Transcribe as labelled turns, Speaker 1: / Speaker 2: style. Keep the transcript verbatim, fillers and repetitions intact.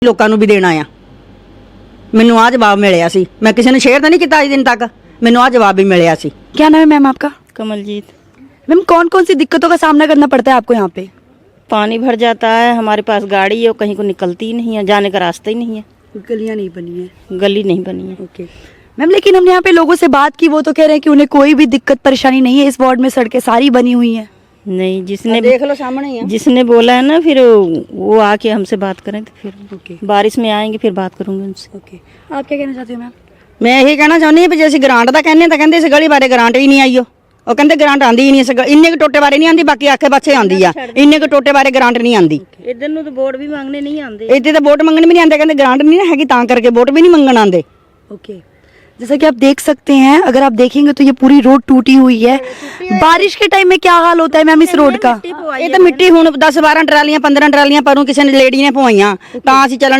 Speaker 1: ਲੋਕਾਂ ਨੂੰ ਵੀ ਦੇਣਾ ਆ। ਮੈਨੂੰ ਆ ਜਵਾਬ ਮਿਲਿਆ ਸੀ, ਮੈਂ ਕਿਸੇ ਨੂੰ ਸ਼ੇਅਰ ਤਾਂ ਨਹੀਂ ਕੀਤਾ ਅੱਜ ਦਿਨ तक, ਮੈਨੂੰ ਆ जवाब भी मिलिया सी।
Speaker 2: क्या नाम है मैम आपका?
Speaker 3: कमलजीत।
Speaker 2: मैम कौन कौन सी दिक्कतों का सामना करना पड़ता है आपको यहाँ पे?
Speaker 3: पानी भर जाता है, हमारे पास गाड़ी है, कहीं को निकलती ही नहीं है, जाने का रास्ता ही नहीं है,
Speaker 2: गलियाँ नहीं बनी है।
Speaker 3: गली नहीं बनी है।
Speaker 2: ओके मैम, लेकिन हमने यहाँ पे लोगों से बात की, वो तो कह रहे हैं कि उन्हें कोई भी दिक्कत परेशानी नहीं है, इस वार्ड में सड़कें सारी बनी हुई हैं।
Speaker 3: नहीं, जिसने
Speaker 1: देख लो सामने ही है।
Speaker 3: जिसने बोला है ना, फिर वो आके हमसे बात करें तो फिर
Speaker 2: ओके
Speaker 3: बारिश में आएंगे, फिर बात करूंगी उनसे।
Speaker 2: ओके आप क्या कहना चाहते हो मैम?
Speaker 1: मैं यही कहना चाਹੁੰਦੀ ਹਾਂ ਵੀ ਜੇ ਅਸੀਂ ਗ੍ਰਾਂਟ ਦਾ ਕਹਿੰਦੇ ਤਾਂ ਕਹਿੰਦੇ ਇਸ ਗਲੀ ਬਾਰੇ ਗ੍ਰਾਂਟ ਹੀ ਨਹੀਂ ਆਈ। ਉਹ ਕਹਿੰਦੇ ਗ੍ਰਾਂਟ ਆਂਦੀ ਹੀ ਨਹੀਂ, ਇਸ ਇੰਨੇ ਕੁ ਟੋਟੇ ਬਾਰੇ ਨਹੀਂ ਆਂਦੀ, ਬਾਕੀ ਆਖੇ ਪਾਸੇ ਆਂਦੀ ਆ, ਇੰਨੇ ਕੁ ਟੋਟੇ ਬਾਰੇ ਗ੍ਰਾਂਟ ਨਹੀਂ ਆਂਦੀ।
Speaker 3: इधर ਨੂੰ तो वोट भी मांगने नहीं आते,
Speaker 1: ਇੱਥੇ ਤਾਂ ਵੋਟ ਮੰਗਣ ਵੀ ਨਹੀਂ ਆਂਦੇ, ਕਹਿੰਦੇ ਗ੍ਰਾਂਟ ਨਹੀਂ ਨਾ ਹੈਗੀ ਤਾਂ ਕਰਕੇ ਵੋਟ ਵੀ ਨਹੀਂ ਮੰਗਣ ਆਂਦੇ।
Speaker 2: ओके जैसा कि आप देख सकते हैं, अगर आप देखेंगे तो ये पूरी रोड टूटी हुई है। बारिश के टाइम में क्या हाल होता है मैम इस रोड का?
Speaker 1: ਇਹ ਤਾਂ ਮਿੱਟੀ ਹੁਣ दस बारह ਟਰਾਲੀਆਂ पंद्रह ਟਰਾਲੀਆਂ ਪਰੋਂ ਕਿਸੇ ਨੇ ਲੇਡੀ ਨੇ ਪਵਾਈਆਂ ਤਾਂ ਅਸੀਂ ਚੱਲਣ